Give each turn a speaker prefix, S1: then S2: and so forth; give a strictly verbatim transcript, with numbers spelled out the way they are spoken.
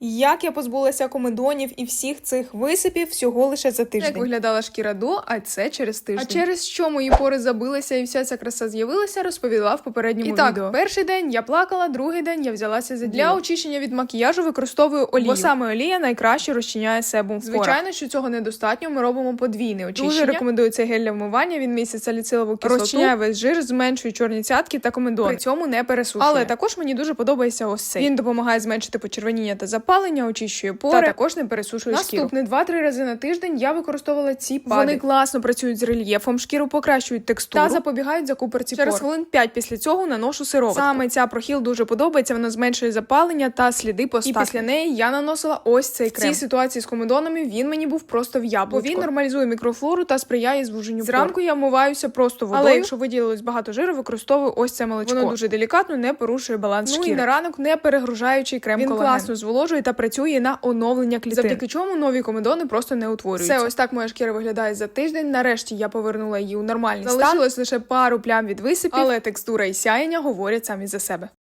S1: Як я позбулася комедонів і всіх цих висипів всього лише за тиждень.
S2: Як виглядала шкіра до, а це через тиждень.
S1: А через що мої пори забилися і вся ця краса з'явилася, розповіла в попередньому
S2: І так,
S1: відео.
S2: перший день я плакала, другий день я взялася за
S1: Для
S2: діло.
S1: очищення від макіяжу використовую олію, бо саме олія найкраще розчиняє себум в порах.
S2: Звичайно, що цього недостатньо, ми робимо подвійне очищення.
S1: Дуже рекомендую цей гель для вмивання, він містить саліцилову кислоту, розчиняє весь жир, зменшує чорні цятки та комедони.
S2: При цьому не пересушує.
S1: Але також мені дуже подобається ось цей. Він допомагає зменшити почервоніння та запалення, очищує пори.
S2: Та також не пересушує шкіру.
S1: Наступне два-три рази на тиждень я використовувала ці пади.
S2: Вони
S1: Вони класно працюють з рельєфом, шкіру покращують текстуру
S2: та
S1: запобігають закупорці
S2: Через
S1: пор. хвилин п'ять після цього наношу сироватку. Саме ця прохіл дуже подобається, вона зменшує запалення та сліди постакне. І після неї я наносила ось цей крем. В цій ситуації з комедонами він мені був просто в яблучко. Бо він нормалізує мікрофлору та сприяє звуженню
S2: Зранку
S1: пор. Я вмиваюся просто водою. Але якщо виділилось багато жиру, використовую ось це молочко. Воно дуже делікатно, не порушує баланс
S2: Ну
S1: шкіри.
S2: і
S1: на ранок не перегружаючий крем
S2: Він
S1: колаген.
S2: класно
S1: зволожує та працює на оновлення клітин.
S2: Завдяки
S1: чому нові комедони просто не утворюються. Все, ось так моя шкіра виглядає за тиждень. Нарешті я повернула її у нормальний стан. Залишилось лише пару плям від висипів, але текстура і сяєння говорять самі за себе.